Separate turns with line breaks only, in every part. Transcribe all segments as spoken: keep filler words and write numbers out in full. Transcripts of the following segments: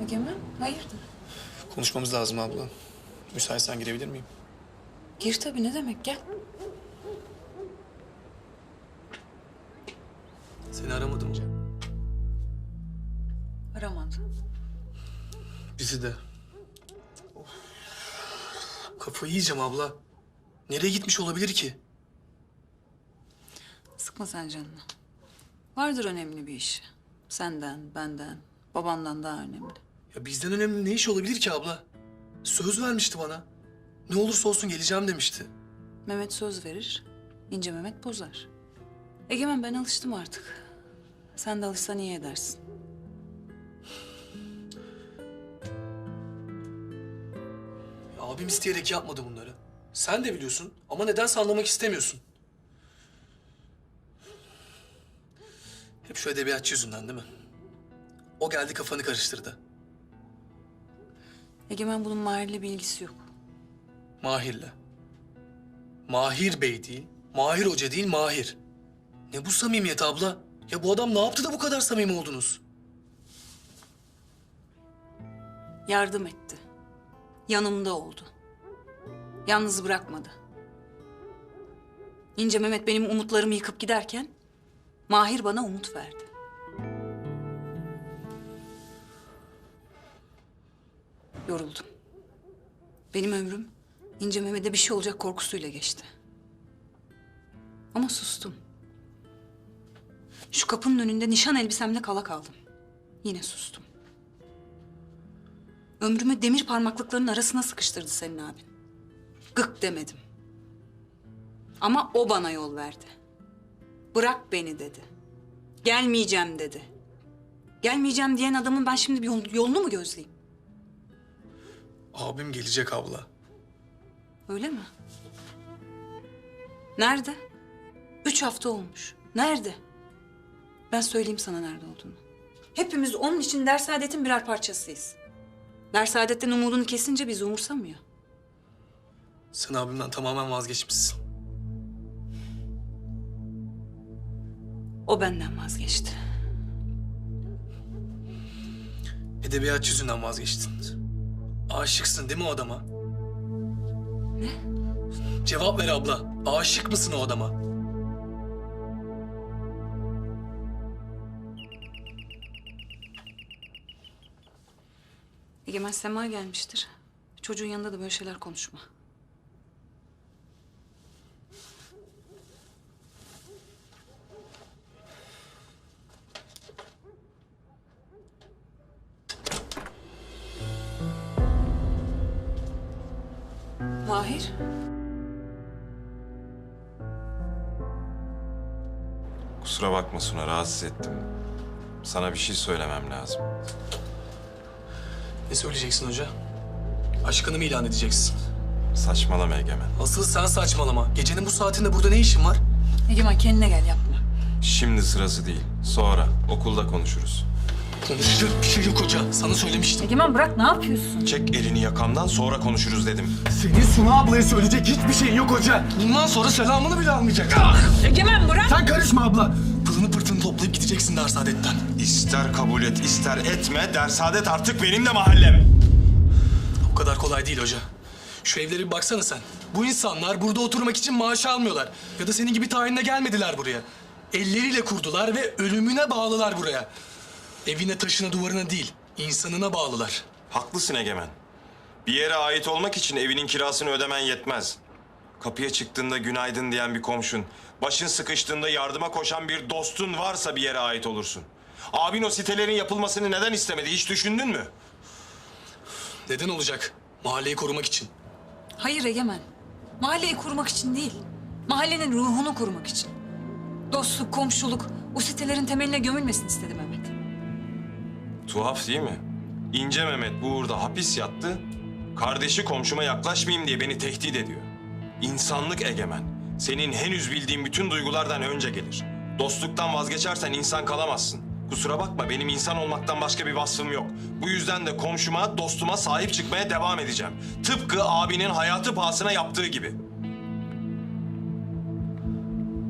Egemen, hayırdır?
Konuşmamız lazım abla. Müsaitsen girebilir miyim?
Gir tabii, ne demek, gel.
Seni aramadım Cem.
Aramadı.
Bizi de. Of. Kafayı yiyeceğim abla. Nereye gitmiş olabilir ki?
Sıkma sen canını. Vardır önemli bir işi. Senden, benden, babandan daha önemli.
Ya bizden önemli ne iş olabilir ki abla? Söz vermişti bana. Ne olursa olsun geleceğim demişti.
Mehmet söz verir, ince Mehmet bozar. Egemen, ben alıştım artık. Sen de alışsan iyi edersin.
Ya abim isteyerek yapmadı bunları. Sen de biliyorsun ama nedense anlamak istemiyorsun. Hep şu edebiyatçı yüzünden değil mi? O geldi kafanı karıştırdı.
Egemen, bunun Mahir'le bir ilgisi yok.
Mahir'le. Mahir Bey değil, Mahir Hoca değil, Mahir. Ne bu samimiyet abla? Ya bu adam ne yaptı da bu kadar samimi oldunuz?
Yardım etti. Yanımda oldu. Yalnız bırakmadı. İnce Mehmet benim umutlarımı yıkıp giderken Mahir bana umut verdi. Yoruldum. Benim ömrüm İnce Mehmet'e bir şey olacak korkusuyla geçti. Ama sustum. Şu kapının önünde nişan elbisemle kala kaldım. Yine sustum. Ömrümü demir parmaklıklarının arasına sıkıştırdı senin abin. Gık demedim. Ama o bana yol verdi. Bırak beni dedi. Gelmeyeceğim dedi. Gelmeyeceğim diyen adamın ben şimdi bir yol- yolunu mu gözleyeyim?
Abim gelecek abla.
Öyle mi? Nerede? Üç hafta olmuş. Nerede? Ben söyleyeyim sana nerede olduğunu. Hepimiz onun için Dersaadet'in birer parçasıyız. Dersaadet'ten umudunu kesince bizi umursamıyor.
Sen abimden tamamen vazgeçmişsin.
O benden vazgeçti.
Edebiyatçı yüzünden vazgeçtin. Aşıksın değil mi o adama?
Ne?
Cevap ver abla. Aşık mısın o adama?
Egemen, Sema gelmiştir. Çocuğun yanında da böyle şeyler konuşma. Mahir.
Kusura bakma Suna, rahatsız ettim. Sana bir şey söylemem lazım.
Ne söyleyeceksin hoca? Aşkını mı ilan edeceksin?
Saçmalama Egemen.
Asıl sen saçmalama. Gecenin bu saatinde burada ne işin var?
Egemen, kendine gel, yapma.
Şimdi sırası değil. Sonra okulda konuşuruz.
Konuşacak bir şey yok hoca. Sana söylemiştim.
Egemen, bırak, ne yapıyorsun?
Çek elini yakamdan, sonra konuşuruz dedim.
Senin Suna ablaya söyleyecek hiçbir şeyin yok hoca.
Bundan sonra selamını bile almayacak. Ah!
Egemen, bırak!
Sen karışma abla.
Pılını pırtını toplayıp gideceksin Dersaadet'ten.
İster kabul et, ister etme, Dersaadet artık benim de mahallem.
O kadar kolay değil hoca. Şu evlere bir baksana sen. Bu insanlar burada oturmak için maaş almıyorlar. Ya da senin gibi tayinle gelmediler buraya. Elleriyle kurdular ve ölümüne bağlılar buraya. Evine, taşına, duvarına değil, insanına bağlılar.
Haklısın Egemen. Bir yere ait olmak için evinin kirasını ödemen yetmez. Kapıya çıktığında günaydın diyen bir komşun, başın sıkıştığında yardıma koşan bir dostun varsa bir yere ait olursun. Abin o sitelerin yapılmasını neden istemedi, hiç düşündün mü?
Neden olacak? Mahalleyi korumak için.
Hayır Egemen. Mahalleyi korumak için değil. Mahallenin ruhunu korumak için. Dostluk, komşuluk, o sitelerin temeline gömülmesini istedi Mehmet.
Tuhaf değil mi? İnce Mehmet bu uğurda hapis yattı. Kardeşi komşuma yaklaşmayayım diye beni tehdit ediyor. İnsanlık Egemen. Senin henüz bildiğin bütün duygulardan önce gelir. Dostluktan vazgeçersen insan kalamazsın. Kusura bakma, benim insan olmaktan başka bir vasfım yok. Bu yüzden de komşuma, dostuma sahip çıkmaya devam edeceğim. Tıpkı abinin hayatı pahasına yaptığı gibi.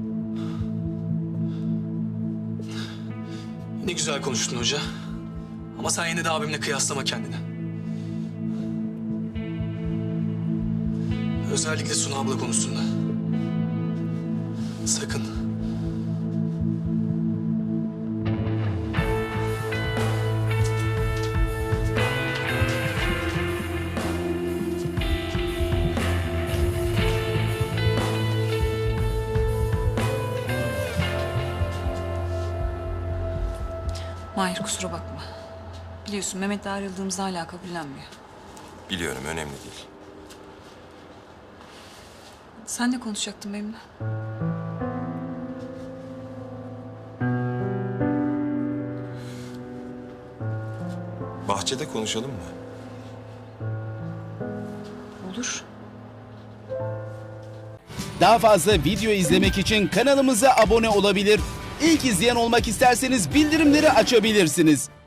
Ne güzel konuştun hoca. Ama sen yine de abimle kıyaslama kendini. Özellikle Suna abla konusunda. Sakın.
Mahir kusura bakma. Biliyorsun Mehmet'le ayrıldığımızda hala kabullenmiyor.
Biliyorum, önemli değil.
Sen ne konuşacaktın benimle?
Bahçede konuşalım mı?
Olur.
Daha fazla video izlemek için kanalımıza abone olabilir. İlk izleyen olmak isterseniz bildirimleri açabilirsiniz.